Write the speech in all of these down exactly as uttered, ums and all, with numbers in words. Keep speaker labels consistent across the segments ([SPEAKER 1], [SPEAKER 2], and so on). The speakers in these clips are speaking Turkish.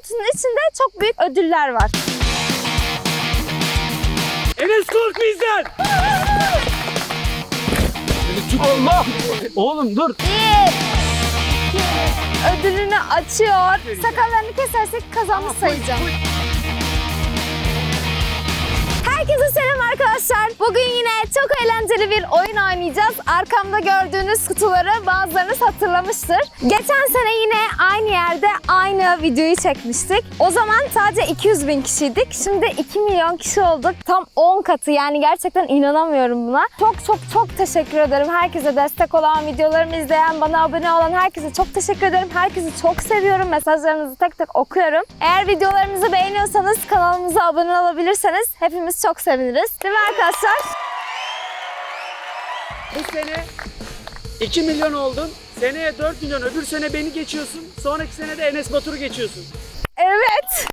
[SPEAKER 1] kutunun içinde çok büyük ödüller var.
[SPEAKER 2] Enes kork bizden. Allah! Oğlum dur.
[SPEAKER 1] Bir. Ödülünü açıyor. Sakallarını kesersek kazanmış sayacağım. Herkese selam arkadaşlar. Bugün yine çok eğlenceli bir oyun oynayacağız. Arkamda gördüğünüz kutuları bazılarınız hatırlamıştır. Geçen sene yine aynı yerde aynı videoyu çekmiştik. O zaman sadece iki yüz bin kişiydik. Şimdi iki milyon kişi olduk. Tam on katı, yani gerçekten inanamıyorum buna. Çok çok çok teşekkür ederim. Herkese destek olan, videolarımı izleyen, bana abone olan herkese çok teşekkür ederim. Herkesi çok seviyorum. Mesajlarınızı tek tek okuyorum. Eğer videolarımızı beğeniyorsanız kanalımıza abone olabilirseniz hepimiz çok seviniriz. Değil mi arkadaşlar?
[SPEAKER 2] Bu sene iki milyon oldun. Seneye dört milyon. Öbür sene beni geçiyorsun. Sonraki sene de Enes Batur'u geçiyorsun.
[SPEAKER 1] Evet.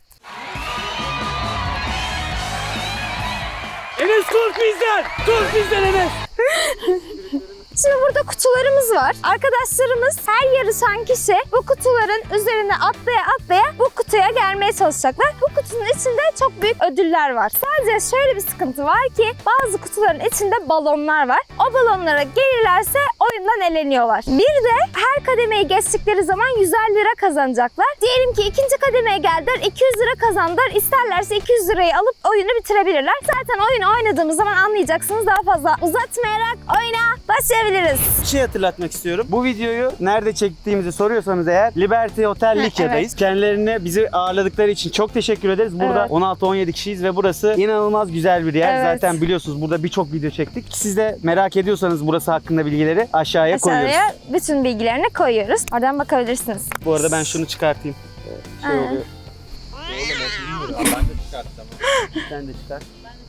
[SPEAKER 2] Enes kork bizden. Kork bizden Enes.
[SPEAKER 1] Şimdi burada kutularımız var. Arkadaşlarımız, her yarışan kişi bu kutuların üzerine atlaya atlaya bu kutuya gelmeye çalışacaklar. Bu kutunun içinde çok büyük ödüller var. Sadece şöyle bir sıkıntı var ki bazı kutuların içinde balonlar var. O balonlara gelirlerse oyundan eleniyorlar. Bir de her kademeyi geçtikleri zaman yüzer lira kazanacaklar. Diyelim ki ikinci kademeye geldiler, iki yüz lira kazandılar. İsterlerse iki yüz lirayı alıp oyunu bitirebilirler. Zaten oyunu oynadığımız zaman anlayacaksınız. Daha fazla uzatmayarak oyuna başlayabiliriz.
[SPEAKER 3] Bir şey hatırlatmak istiyorum. Bu videoyu nerede çektiğimizi soruyorsanız eğer Liberty Hotel Likya'dayız.
[SPEAKER 1] Evet.
[SPEAKER 3] Kendilerine bizi ağırladıkları için çok teşekkür ederiz. Burada
[SPEAKER 1] Evet.
[SPEAKER 3] on altı on yedi kişiyiz ve burası inanılmaz güzel bir yer.
[SPEAKER 1] Evet.
[SPEAKER 3] Zaten biliyorsunuz burada birçok video çektik. Siz de merak ediyorsanız burası hakkında bilgileri aşağıya, koyuyoruz.
[SPEAKER 1] Aşağıya bütün bilgilerini koyuyoruz. Oradan bakabilirsiniz.
[SPEAKER 3] Bu arada ben şunu çıkartayım. Ee, Şey
[SPEAKER 1] Aa.
[SPEAKER 3] oluyor.
[SPEAKER 4] Ben de çıkarttım.
[SPEAKER 3] Sen de çıkart.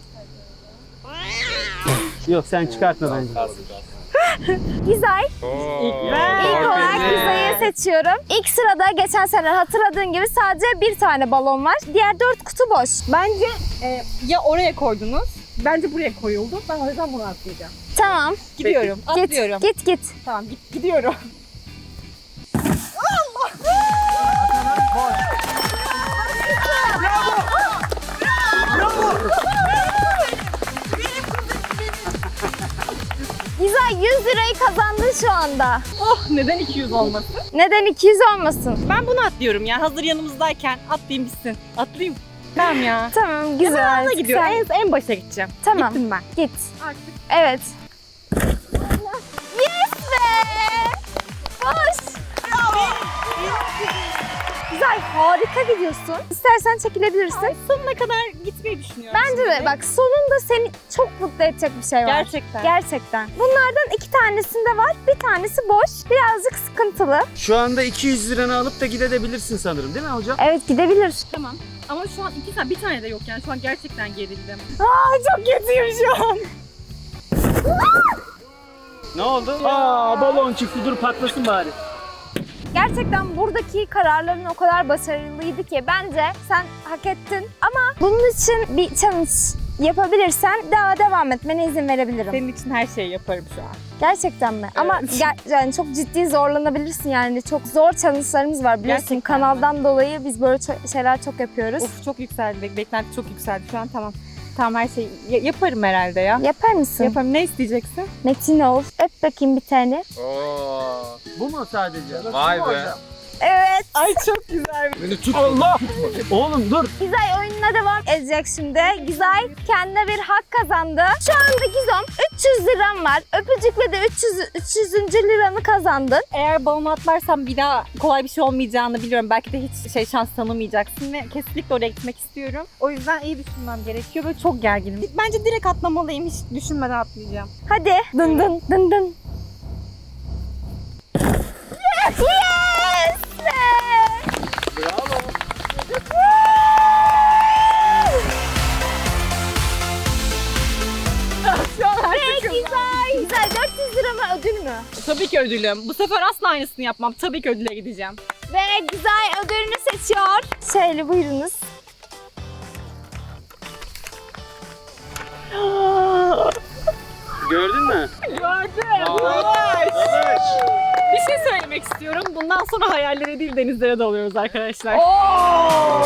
[SPEAKER 3] Yok sen çıkartma bence.
[SPEAKER 1] Gizay. İlk olarak Gizay'ı seçiyorum. İlk sırada geçen sene hatırladığın gibi sadece bir tane balon var. Diğer dört kutu boş.
[SPEAKER 5] Bence e, ya oraya koydunuz, bence buraya koyuldu. Ben o yüzden bunu atlayacağım.
[SPEAKER 1] Tamam.
[SPEAKER 5] Gidiyorum, atlıyorum.
[SPEAKER 1] Git git git.
[SPEAKER 5] Tamam, git, gidiyorum.
[SPEAKER 1] Gizay yüz lirayı kazandın şu anda.
[SPEAKER 5] Oh, neden iki yüz olmasın?
[SPEAKER 1] Neden iki yüz olmasın?
[SPEAKER 5] Ben bunu atlıyorum ya. Hazır yanımızdayken atlayayım bitsin. Atlayayım. Tamam ya.
[SPEAKER 1] Tamam güzel.
[SPEAKER 5] Ben ona gidiyorum.
[SPEAKER 1] Sen-
[SPEAKER 5] En, en başa gideceğim.
[SPEAKER 1] Tamam.
[SPEAKER 5] Gittim ben.
[SPEAKER 1] Git.
[SPEAKER 5] Artık.
[SPEAKER 1] Evet. Yes be! Boş. Güzel, harika gidiyorsun. İstersen çekilebilirsin.
[SPEAKER 5] Ay, sonuna kadar gitmeyi düşünüyorum.
[SPEAKER 1] Bence de
[SPEAKER 5] şimdi.
[SPEAKER 1] bak sonunda seni çok mutlu edecek bir şey var.
[SPEAKER 5] Gerçekten.
[SPEAKER 1] Gerçekten. Bunlardan iki tanesinde var. Bir tanesi boş. Birazcık sıkıntılı.
[SPEAKER 3] Şu anda iki yüz liranı alıp da gidebilirsin sanırım değil mi hocam?
[SPEAKER 1] Evet gidebilir.
[SPEAKER 5] Tamam. Ama şu an iki tane, bir tane de yok yani. Şu an gerçekten gerildim. Aa, çok kötüyüm şu an.
[SPEAKER 3] Ne oldu?
[SPEAKER 2] Aa balon çıktı, dur patlasın bari.
[SPEAKER 1] Gerçekten buradaki kararların o kadar başarılıydı ki bence sen hak ettin. Ama bunun için bir challenge yapabilirsen daha devam etmene izin verebilirim.
[SPEAKER 5] Senin için her şeyi yaparım şu an.
[SPEAKER 1] Gerçekten mi? Ama ger- yani çok ciddi zorlanabilirsin yani. Çok zor challenge'larımız var biliyorsun.
[SPEAKER 5] Gerçekten
[SPEAKER 1] Kanaldan dolayı biz böyle ço- şeyler çok yapıyoruz.
[SPEAKER 5] Of, çok yükseldi. Bek- Beklenti çok yükseldi şu an. Tamam. Tamam, her şeyi ya- yaparım herhalde ya.
[SPEAKER 1] Yapar mısın?
[SPEAKER 5] Yaparım. Ne isteyeceksin?
[SPEAKER 1] Metin ol. Öp bakayım bir tane.
[SPEAKER 4] Oo.
[SPEAKER 3] Bu mu sadece?
[SPEAKER 4] Vay be.
[SPEAKER 1] Evet.
[SPEAKER 5] Ay çok güzel.
[SPEAKER 4] Beni tut.
[SPEAKER 3] Allah! Oğlum dur.
[SPEAKER 1] Gizay oyununa devam edecek şimdi. Gizay kendine bir hak kazandı. Şu anda Gizom üç yüz liram var. Öpücükle de üç yüz, üç yüzüncü liranı kazandın.
[SPEAKER 5] Eğer balonu atlarsam bir daha kolay bir şey olmayacağını biliyorum. Belki de hiç şey şans tanımayacaksın ve kesinlikle oraya gitmek istiyorum. O yüzden iyi düşünmem gerekiyor. Böyle çok gerginim. Bence direkt atlamalıyım. Hiç düşünmeden atlayacağım.
[SPEAKER 1] Hadi. Dın dın dın dın. Yes! Be!
[SPEAKER 2] Bravo.
[SPEAKER 5] Şu an
[SPEAKER 1] Ve Gizay. Gizay dört yüz lira mı ödül mü?
[SPEAKER 5] Tabii ki ödülüm. Bu sefer asla aynısını yapmam. Tabii ki ödüle gideceğim.
[SPEAKER 1] Ve Gizay ödülünü seçiyor. Şöyle buyurunuz.
[SPEAKER 3] Gördün mü?
[SPEAKER 5] Gördüm. Bir şey söylemek istiyorum. Bundan sonra hayallere değil denizlere dalıyoruz arkadaşlar.
[SPEAKER 1] Oo!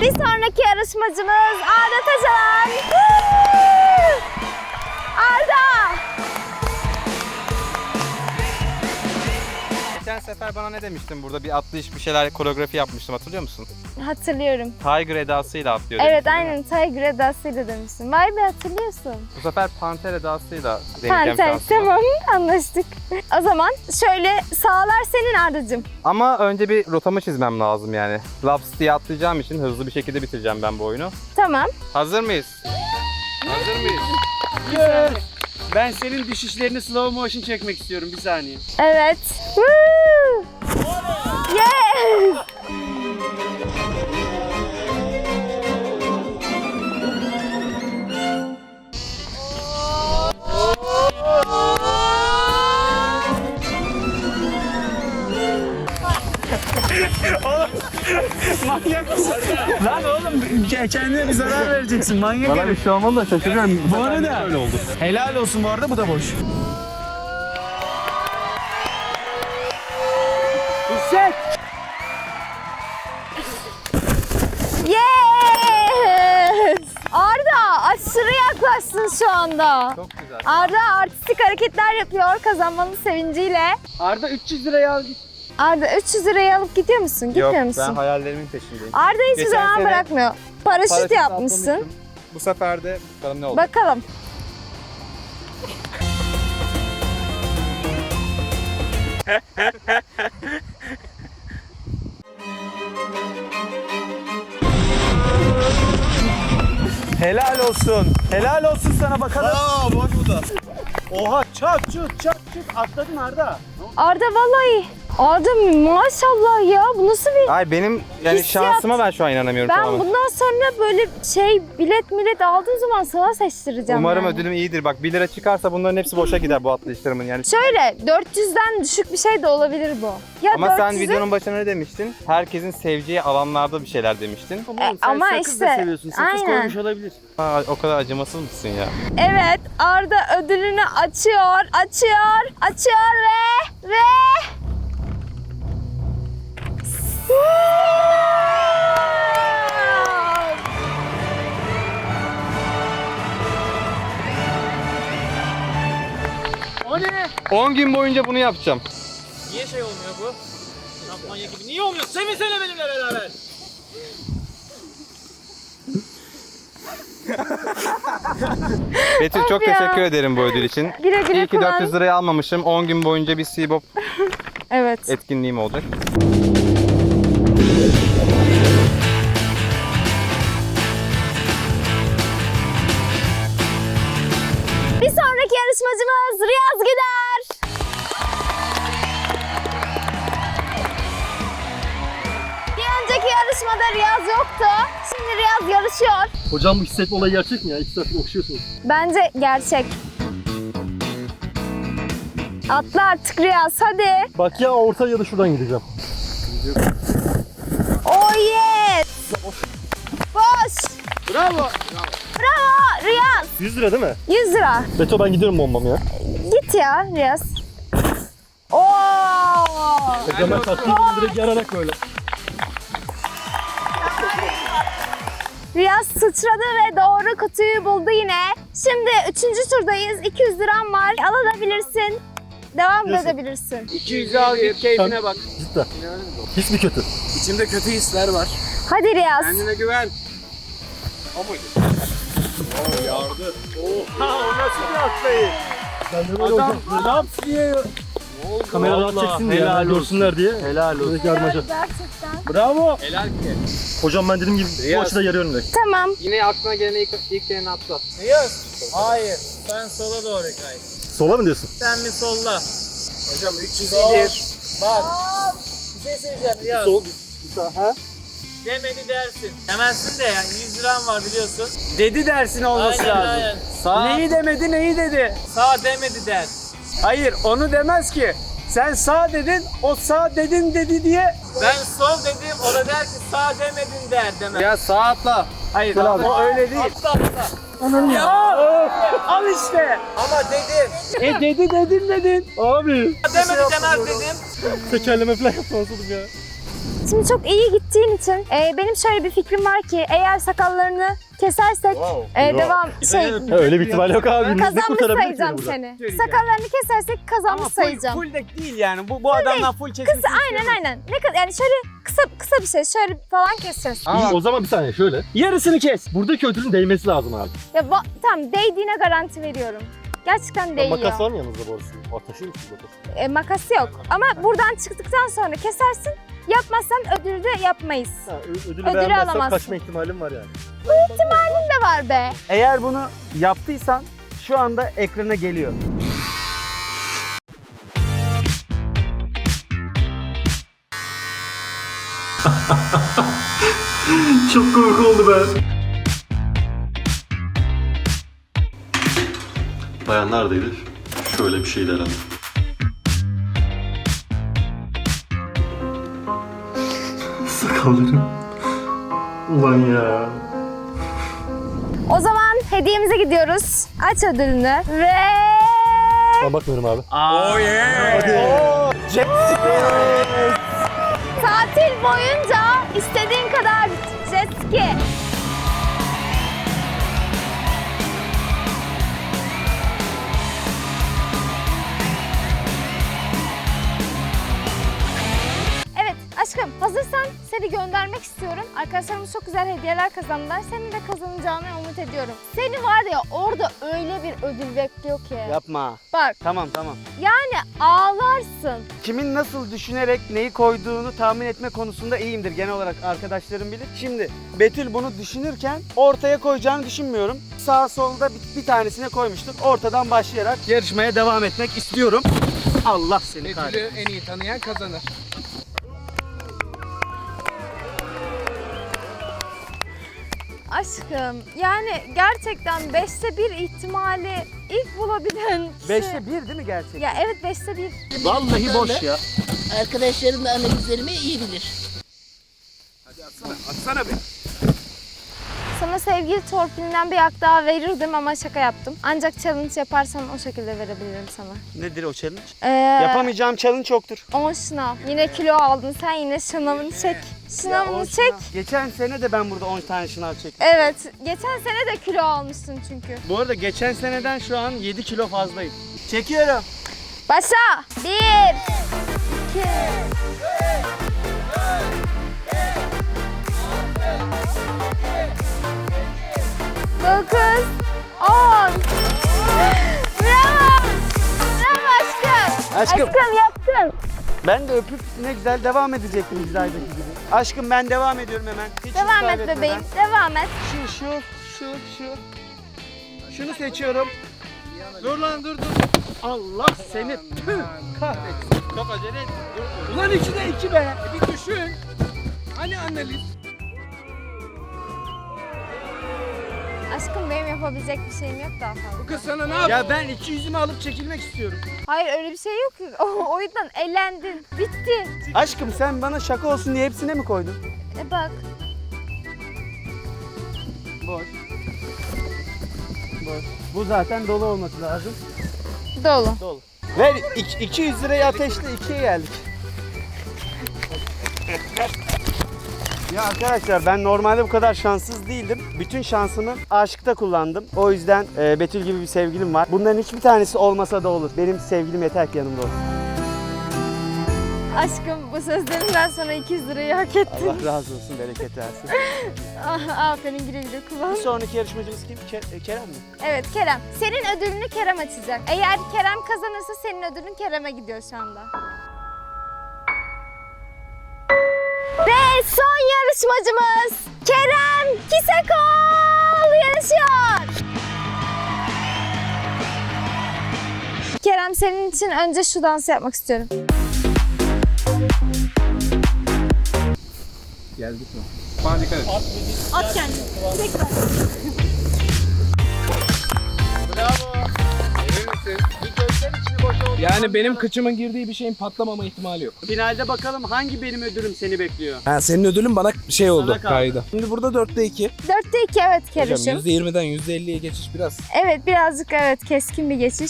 [SPEAKER 1] Bir sonraki yarışmacımız Arda Taşaran. Arda!
[SPEAKER 4] Geçen sefer bana ne demiştin? Burada bir atlayış bir şeyler koreografi yapmıştım, hatırlıyor musun?
[SPEAKER 1] Hatırlıyorum.
[SPEAKER 4] Tiger edasıyla atlıyor
[SPEAKER 1] Evet,
[SPEAKER 4] demiştin, değil mi?
[SPEAKER 1] aynen Tiger edasıyla demiştim. Vay be, hatırlıyorsun.
[SPEAKER 4] Bu sefer panter edasıyla deneyeceğim
[SPEAKER 1] Panter,
[SPEAKER 4] şansımı.
[SPEAKER 1] tamam, anlaştık. O zaman şöyle, sağlar senin Arda'cığım.
[SPEAKER 4] Ama önce bir rotamı çizmem lazım yani. Laps diye atlayacağım için hızlı bir şekilde bitireceğim ben bu oyunu.
[SPEAKER 1] Tamam.
[SPEAKER 4] Hazır mıyız? Hazır mıyız?
[SPEAKER 2] Yes. Ben senin düşüşlerini slow motion çekmek istiyorum bir saniye.
[SPEAKER 1] Evet. Woo! Yes!
[SPEAKER 2] Manyak mısın? Lan oğlum kendine bir zarar vereceksin. Manyak
[SPEAKER 3] Bana
[SPEAKER 2] herif.
[SPEAKER 3] bir şey olmadı da şaşırıyorum.
[SPEAKER 2] Bu arada
[SPEAKER 3] Öyle oldu.
[SPEAKER 2] helal olsun bu arada, bu da boş. Hisset.
[SPEAKER 1] Yes! Arda aşırı yaklaştın şu anda.
[SPEAKER 4] Çok güzel.
[SPEAKER 1] Arda artistik hareketler yapıyor kazanmanın sevinciyle.
[SPEAKER 2] Arda üç yüz liraya al git.
[SPEAKER 1] Arda üç yüz lirayı alıp gidiyor musun? Gitmiyor
[SPEAKER 4] Yok,
[SPEAKER 1] musun?
[SPEAKER 4] ben hayallerimin peşindeyim.
[SPEAKER 1] Arda hiçbir
[SPEAKER 4] Geçen
[SPEAKER 1] zaman
[SPEAKER 4] sene
[SPEAKER 1] bırakmıyor. Paraşüt,
[SPEAKER 4] Paraşüt
[SPEAKER 1] yapmışsın.
[SPEAKER 4] atlamıştım. Bu sefer de bakalım ne oldu.
[SPEAKER 1] Bakalım.
[SPEAKER 3] Helal olsun. Helal olsun sana bakalım. Aa, bak bu da. Oha, çat çut çat çut atladın Arda.
[SPEAKER 1] Arda vallahi. Arda maşallah ya, bu nasıl bir...
[SPEAKER 4] Ay benim yani
[SPEAKER 1] Hissiyat.
[SPEAKER 4] şansıma ben şu an inanamıyorum
[SPEAKER 1] Ben
[SPEAKER 4] tamamen.
[SPEAKER 1] bundan sonra böyle şey bilet millet aldığım zaman sana seçtireceğim.
[SPEAKER 4] Umarım
[SPEAKER 1] yani.
[SPEAKER 4] ödülüm iyidir. Bak bir lira çıkarsa bunların hepsi boşa gider bu atlayışlarımın yani.
[SPEAKER 1] Şöyle dört yüzden düşük bir şey de olabilir bu. Ya
[SPEAKER 4] Ama sen
[SPEAKER 1] dört yüzü
[SPEAKER 4] videonun başına ne demiştin? Herkesin seveceği alanlarda bir şeyler demiştin.
[SPEAKER 1] E,
[SPEAKER 2] Oğlum, sen
[SPEAKER 1] ama
[SPEAKER 2] sakız da
[SPEAKER 1] işte,
[SPEAKER 2] seviyorsun. Sakız
[SPEAKER 1] aynen.
[SPEAKER 2] koymuş olabilir.
[SPEAKER 4] Aa, o kadar acımasız mısın ya?
[SPEAKER 1] Evet, Arda ödülünü açıyor, açıyor, açıyor ve ve
[SPEAKER 2] O ne?
[SPEAKER 4] on gün boyunca bunu yapacağım.
[SPEAKER 6] Niye şey olmuyor bu? Şampanya gibi. Niye olmuyor? Sevinsene benimle beraber.
[SPEAKER 4] Betül çok
[SPEAKER 1] ya.
[SPEAKER 4] teşekkür ederim bu ödül için.
[SPEAKER 1] güle güle
[SPEAKER 4] İyi ki
[SPEAKER 1] kullan.
[SPEAKER 4] dört yüz liraya almamışım. on gün boyunca bir Seabop
[SPEAKER 1] Evet.
[SPEAKER 4] etkinliğim olacak.
[SPEAKER 1] Bir sonraki yarışmacımız Riyaz Gider. Bir önceki yarışmada Riyaz yoktu. Şimdi Riyaz yarışıyor.
[SPEAKER 7] Hocam bu hissetme olayı gerçek mi ya? İki saattir okşuyorsunuz.
[SPEAKER 1] Bence gerçek. Atla artık Riyaz, hadi.
[SPEAKER 7] Bak ya orta ya da şuradan gideceğim.
[SPEAKER 1] Oh yes. Boş.
[SPEAKER 2] Bravo.
[SPEAKER 1] Bravo Riyaz.
[SPEAKER 7] yüz lira değil mi?
[SPEAKER 1] yüz lira.
[SPEAKER 7] Beto ben gidiyorum bombam ya.
[SPEAKER 1] Git ya Riyaz. Oo.
[SPEAKER 7] Hocam ben kalktım direkt yararak böyle.
[SPEAKER 1] Riyaz sıçradı ve doğru kutuyu buldu yine. Şimdi üçüncü turdayız. iki yüz liram var. Alabilirsin. Devam
[SPEAKER 7] Diyorsun.
[SPEAKER 1] edebilirsin.
[SPEAKER 2] iki yüzü al git, keyfine bak.
[SPEAKER 7] Cidden. His mi kötü?
[SPEAKER 2] İçimde kötü hisler var.
[SPEAKER 1] Hadi Riyaz.
[SPEAKER 2] Kendine güven. O muydu? Oo yardı. Oha, o nasıl bir atlayış?
[SPEAKER 7] Ben de böyle
[SPEAKER 2] Adam
[SPEAKER 7] hocam.
[SPEAKER 2] ne yaptı diye.
[SPEAKER 7] Kamera rahat çeksin diye.
[SPEAKER 2] helal
[SPEAKER 7] Yani,
[SPEAKER 2] olsun.
[SPEAKER 7] görsünler diye.
[SPEAKER 2] Helal olsun.
[SPEAKER 7] Böyle yarmaca.
[SPEAKER 1] Gerçekten.
[SPEAKER 2] Bravo. Helal ki.
[SPEAKER 7] Hocam ben dediğim gibi bu
[SPEAKER 4] Riyaz.
[SPEAKER 7] açıda yarıyorum direkt.
[SPEAKER 1] Tamam.
[SPEAKER 4] Yine aklına gelen ilk, ilk yerini atla.
[SPEAKER 6] Riyaz. Hayır. Sen sola doğru kay.
[SPEAKER 7] Sola mı diyorsun?
[SPEAKER 6] Sen bir solla.
[SPEAKER 2] Hocam üç yüz iyidir.
[SPEAKER 6] Bak. Bir şey söyleyeceğim Riyaz.
[SPEAKER 7] Sol. Ha?
[SPEAKER 6] Demedi dersin. Demezsin de yani yüz liram var biliyorsun.
[SPEAKER 2] Dedi dersin olması
[SPEAKER 6] Aynen,
[SPEAKER 2] lazım.
[SPEAKER 6] aynen. Sağ,
[SPEAKER 2] Neyi demedi, neyi dedi?
[SPEAKER 6] sağ demedi der.
[SPEAKER 2] Hayır, onu demez ki. Sen sağ dedin, o sağ dedin dedi diye.
[SPEAKER 6] Ben sol dedim, o da der ki sağ demedin der demez.
[SPEAKER 4] Ya sağ atla.
[SPEAKER 2] Hayır,
[SPEAKER 7] Gel abi.
[SPEAKER 2] o öyle değil.
[SPEAKER 6] Atla atla.
[SPEAKER 2] Ya, al işte.
[SPEAKER 6] Ama dedim.
[SPEAKER 2] E dedi dedin dedin.
[SPEAKER 7] Abi.
[SPEAKER 6] Demedi demez dedim.
[SPEAKER 7] Tekerleme falan yapmasaydım ya.
[SPEAKER 1] Şimdi çok iyi gittiğin için e, benim şöyle bir fikrim var ki eğer sakallarını kesersek e, devam şey
[SPEAKER 3] Öyle bir ihtimal yok abi. Biz de
[SPEAKER 1] kazanmış
[SPEAKER 3] kurtarabiliriz
[SPEAKER 1] sayacağım
[SPEAKER 3] burada.
[SPEAKER 1] seni.
[SPEAKER 2] Söyleyeceğim.
[SPEAKER 1] Sakallarını kesersek
[SPEAKER 2] Ama
[SPEAKER 1] kazanmış
[SPEAKER 2] full,
[SPEAKER 1] sayacağım.
[SPEAKER 2] full de değil yani. Bu, bu adamdan full kesmesi.
[SPEAKER 1] Kısa aynen aynen. Ne kadar yani şöyle kısa kısa bir şey şöyle falan keseceğiz.
[SPEAKER 7] İyi, o zaman bir saniye şöyle.
[SPEAKER 2] Yarısını kes.
[SPEAKER 7] Buradaki ödülün değmesi lazım abi.
[SPEAKER 1] Ya ba- tamam değdiğine garanti veriyorum. Gerçekten değiyor.
[SPEAKER 7] Makas var mı yanınızda bu arada? O taşır mısınız makası?
[SPEAKER 1] E, makası yok. Ama buradan çıktıktan sonra kesersin. Yapmazsan ödülü de yapmayız.
[SPEAKER 7] Ha, ö- ödülü
[SPEAKER 1] Ödülü
[SPEAKER 7] beğenmezsem
[SPEAKER 1] alamazsın.
[SPEAKER 7] kaçma ihtimalim var yani.
[SPEAKER 1] Ne var be?
[SPEAKER 2] Eğer bunu yaptıysan şu anda ekrana geliyor.
[SPEAKER 7] Çok korku oldu be. Bayan neredeydi? Şöyle bir şeydi herhalde. Sakallarım. Ulan ya.
[SPEAKER 1] O zaman hediyemize gidiyoruz. Aç ödülünü ve
[SPEAKER 7] Ben bakmıyorum abi.
[SPEAKER 2] Oh yeah.
[SPEAKER 1] tatil boyunca istediğin kadar jet ski. Evet aşkım hazırsan seni göndermek istiyorum. Arkadaşlarımız çok güzel hediyeler kazandılar. Senin de kazanacağını umut ediyorum. Seni var ya orada öyle bir ödül bekliyor ki.
[SPEAKER 2] Yapma.
[SPEAKER 1] Bak
[SPEAKER 2] Tamam tamam.
[SPEAKER 1] yani ağlarsın.
[SPEAKER 2] Kimin nasıl düşünerek neyi koyduğunu tahmin etme konusunda iyiyimdir. Genel olarak arkadaşlarım bilir. Şimdi Betül bunu düşünürken ortaya koyacağını düşünmüyorum. Sağ solda bir, bir tanesine koymuştuk. Ortadan başlayarak yarışmaya devam etmek istiyorum. Allah seni kahretsin.
[SPEAKER 8] Betül'ü en iyi tanıyan kazanır.
[SPEAKER 1] Aşkım yani gerçekten beşte bir ihtimali ilk bulabilen kişi.
[SPEAKER 2] Beşte bir değil mi gerçekten?
[SPEAKER 1] Ya evet beşte bir.
[SPEAKER 2] Vallahi boş ya.
[SPEAKER 9] Arkadaşlarım da analizlerimi iyi bilir.
[SPEAKER 2] Atsana be.
[SPEAKER 1] Sana sevgili torpilinden bir hak daha verirdim ama şaka yaptım. Ancak challenge yaparsan o şekilde verebilirim sana.
[SPEAKER 2] Nedir o challenge?
[SPEAKER 1] Ee,
[SPEAKER 2] Yapamayacağım challenge yoktur.
[SPEAKER 1] on şınav. Yine kilo aldın sen yine şınavını çek. Şınavını
[SPEAKER 2] on
[SPEAKER 1] çek.
[SPEAKER 2] şınav. Geçen sene de ben burada on tane şınav çektim.
[SPEAKER 1] Evet. Geçen sene de kilo almışsın çünkü.
[SPEAKER 2] Bu arada geçen seneden şu an yedi kilo fazlayım. Çekiyorum.
[SPEAKER 1] Başla. Bir. iki. Dokuz. On. Bravo. Bravo aşkım.
[SPEAKER 2] Aşkım.
[SPEAKER 1] Aşkım yaptın.
[SPEAKER 2] Ben de öpüp ne güzel devam edecektim İzrail'deki gibi. Aşkım ben devam ediyorum hemen. Hiç
[SPEAKER 1] Devam et
[SPEAKER 2] kaybetmeden.
[SPEAKER 1] bebeğim. Devam et.
[SPEAKER 2] Şu şu şu şu. Şunu seçiyorum. Dur lan dur dur. Allah seni tüh kahretsin. Çok acele et. Dur. Ulan içine iki be.
[SPEAKER 8] Bir düşün. Hani analiz?
[SPEAKER 1] Aşkım benim yapabilecek bir şeyim yok daha fazla.
[SPEAKER 8] Bu kız sana ne yaptı?
[SPEAKER 2] Ya ben iki yüzümü alıp çekilmek istiyorum.
[SPEAKER 1] Hayır öyle bir şey yok ki. O, o yüzden elendin. Bitti.
[SPEAKER 2] Aşkım sen bana şaka olsun diye hepsine mi koydun?
[SPEAKER 1] E bak.
[SPEAKER 2] Boş. Boş. Bu zaten dolu olması lazım.
[SPEAKER 1] Dolu.
[SPEAKER 2] Dolu. Ver ik- iki yüz lirayı ateşle ikiye geldik. Ya arkadaşlar ben normalde bu kadar şanssız değildim. Bütün şansımı aşkta kullandım. O yüzden e, Betül gibi bir sevgilim var. Bunların hiçbir tanesi olmasa da olur. Benim sevgilim yeter ki yanımda olsun.
[SPEAKER 1] Aşkım bu sözlerinden sonra iki yüz lirayı hak ettin.
[SPEAKER 2] Allah razı olsun, bereket versin.
[SPEAKER 1] Ah, aferin güle güle kullan.
[SPEAKER 2] Bir sonraki yarışmacımız kim? Ke- Kerem mi?
[SPEAKER 1] Evet Kerem. Senin ödülünü Kerem açacak. Eğer Kerem kazanırsa senin ödülün Kerem'e gidiyor şu anda. Ve son yarışmacımız Kerem Kisekol yarışıyor. Kerem senin için önce şu dansı yapmak istiyorum.
[SPEAKER 4] Geldik mi? Bana dikkat et.
[SPEAKER 5] At kendini. Direkt ver.
[SPEAKER 8] Yani benim kıçımın girdiği bir şeyin patlamama ihtimali yok.
[SPEAKER 2] Finalde bakalım hangi benim ödülüm seni bekliyor?
[SPEAKER 10] Ha, senin ödülün bana şey oldu.
[SPEAKER 2] Sana kaldı.
[SPEAKER 8] Kaydı.
[SPEAKER 10] Şimdi burada dörtte iki.
[SPEAKER 1] Dörtte iki evet
[SPEAKER 10] Hocam
[SPEAKER 1] Kerem'cim.
[SPEAKER 10] yüzde yirmiden yüzde elliye geçiş biraz.
[SPEAKER 1] Evet birazcık evet keskin bir geçiş.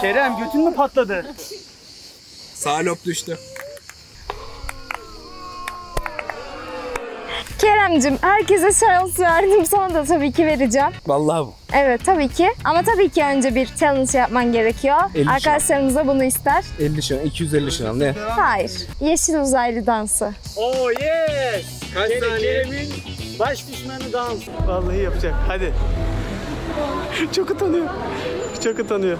[SPEAKER 2] Kerem götün mü patladı?
[SPEAKER 10] Sağ lob düştü.
[SPEAKER 1] Kerem'cim herkese şans verdim. Sana da tabii ki vereceğim.
[SPEAKER 10] Vallahi bu.
[SPEAKER 1] Evet tabii ki. Ama tabii ki önce bir challenge yapman gerekiyor.
[SPEAKER 10] elli şan.
[SPEAKER 1] Arkadaşlarımız da bunu ister.
[SPEAKER 10] elli şan, iki yüz elli şan ne?
[SPEAKER 1] Hayır. Yeşil uzaylı dansı.
[SPEAKER 2] Oh yes!
[SPEAKER 3] Kaç
[SPEAKER 2] Kere-
[SPEAKER 3] saniye?
[SPEAKER 2] Kerem'in baş düşmanı dans. Vallahi yapacak. Hadi. Çok utanıyor. Çok utanıyor.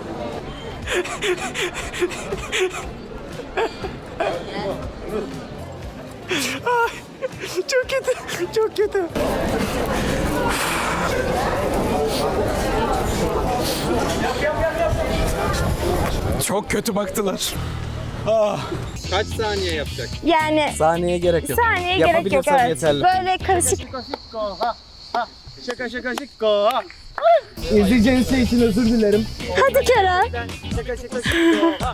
[SPEAKER 2] Ay, çok kötü. Çok kötü.
[SPEAKER 10] Çok kötü baktılar.
[SPEAKER 4] Kaç saniye yapacak?
[SPEAKER 1] Yani
[SPEAKER 10] Saniye gerek yok.
[SPEAKER 1] saniye gerek yok.
[SPEAKER 10] Yapabilirsem
[SPEAKER 1] Evet.
[SPEAKER 10] yeterli.
[SPEAKER 1] Böyle karışık.
[SPEAKER 2] Şaka şaka şaka. Ha.
[SPEAKER 8] İzleyeceğiniz şey için özür dilerim.
[SPEAKER 1] Hadi Kerem.
[SPEAKER 2] Şaka şaka şaka.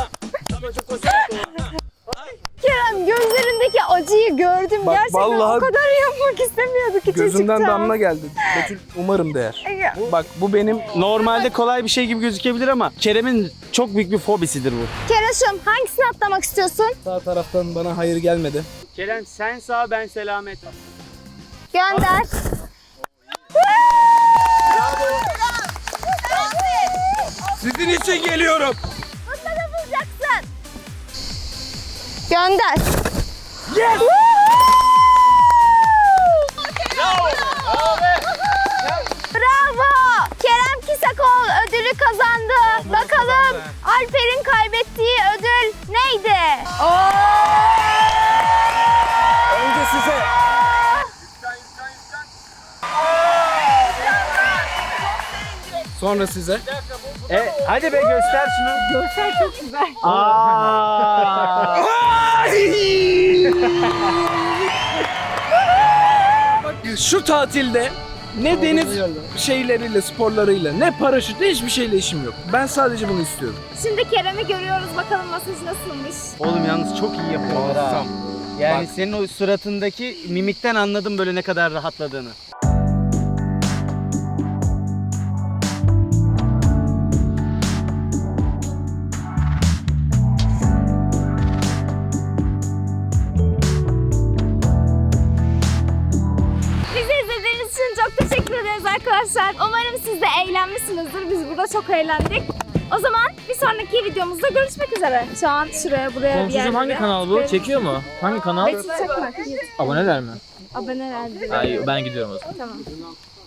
[SPEAKER 1] Kerem gözlerindeki acıyı gördüm.
[SPEAKER 10] Bak,
[SPEAKER 1] Gerçekten
[SPEAKER 10] vallahi
[SPEAKER 1] o kadar yapmak istemiyordu ki
[SPEAKER 10] Gözümden
[SPEAKER 1] çocuktan.
[SPEAKER 10] damla geldi. Betül umarım değer.
[SPEAKER 1] Ya.
[SPEAKER 10] Bak bu benim
[SPEAKER 2] Normalde kolay bir şey gibi gözükebilir ama Kerem'in çok büyük bir fobisidir bu.
[SPEAKER 1] Kerem'cim hangisini atlamak istiyorsun?
[SPEAKER 10] sağ taraftan bana hayır gelmedi.
[SPEAKER 2] Kerem sen sağ ben selamet.
[SPEAKER 1] Gönder.
[SPEAKER 10] Sizin için geliyorum.
[SPEAKER 1] Mutlaka bulacaksın. Gönder.
[SPEAKER 2] Yes!
[SPEAKER 1] Bravo! Kerem Kisakol ödülü kazandı. Bakalım Alper'in kaybettiği ödül neydi?
[SPEAKER 10] Önce size. Sonra size.
[SPEAKER 2] E, hadi be göster şunu.
[SPEAKER 5] Görsel çok güzel.
[SPEAKER 2] Aa!
[SPEAKER 10] Şu tatilde ne deniz şeyleriyle, sporlarıyla, ne paraşütle hiçbir şeyle işim yok. Ben sadece bunu istiyorum.
[SPEAKER 1] Şimdi Kerem'i görüyoruz. Bakalım masaj nasılmış.
[SPEAKER 2] Oğlum yalnız çok iyi yapıyorlar ha. Yani senin o suratındaki mimikten anladım böyle ne kadar rahatladığını.
[SPEAKER 1] Bizi izlediğiniz için çok teşekkür ederiz arkadaşlar. Umarım siz de eğlenmişsinizdir. Biz burada çok eğlendik. O zaman bir sonraki videomuzda görüşmek üzere. Şu an şuraya buraya bir
[SPEAKER 6] Komşucuğum
[SPEAKER 1] yerlere.
[SPEAKER 6] hangi kanal bu? Çekiyor mu? Hangi kanal?
[SPEAKER 1] Betül çekme.
[SPEAKER 6] Aboneler mi?
[SPEAKER 1] Aboneler.
[SPEAKER 6] Ay, ben gidiyorum o zaman.
[SPEAKER 1] Tamam.